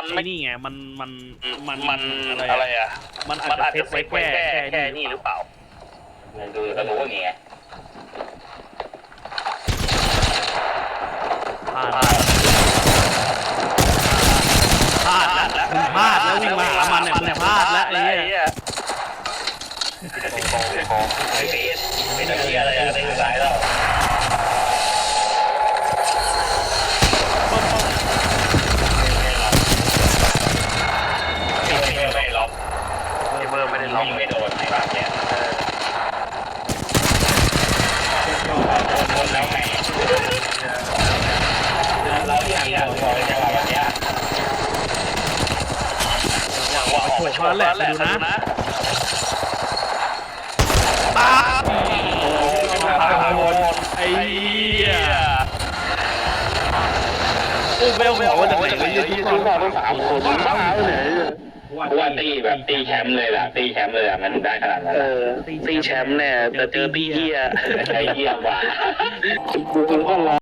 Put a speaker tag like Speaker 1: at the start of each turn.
Speaker 1: ไม่นี่ไงมัน
Speaker 2: อะไรอ่ะ
Speaker 1: มันอาจจะเซตไว้แค่
Speaker 2: นี่หรือเปล่าดูกระดูกอย่างเงี้ย
Speaker 1: พลาดแล้ววิ่งมาหามันเนี่ยพลาดแล้วไอ้เหี้ย
Speaker 2: ไม่ได้อะไรอะไรอยู่ไหนแล้วไม่ล็อกเบอร์ไม่ได้ล็อกไม่โดนไหนบ้างเนี่ยคนแล้วไงเราอย่างนี้พอจะว่าแบบนี้ว่าออกมาชนแล้วแหละดูนะตา
Speaker 1: ไอ้เหี้ยโอ้เบลบอกว่าจะไหนไปยืนที่
Speaker 2: ต้อง3 คนบ้าเลยว่าตีแบบตีแชมป์เลยล่ะตีแชมป์เลยอ่ะมันได้ขนาดนั้นตีแชมป์เนี่ยแต่เจอตีเหี้ยไอ้เหี้ยว่ะกูก็รอ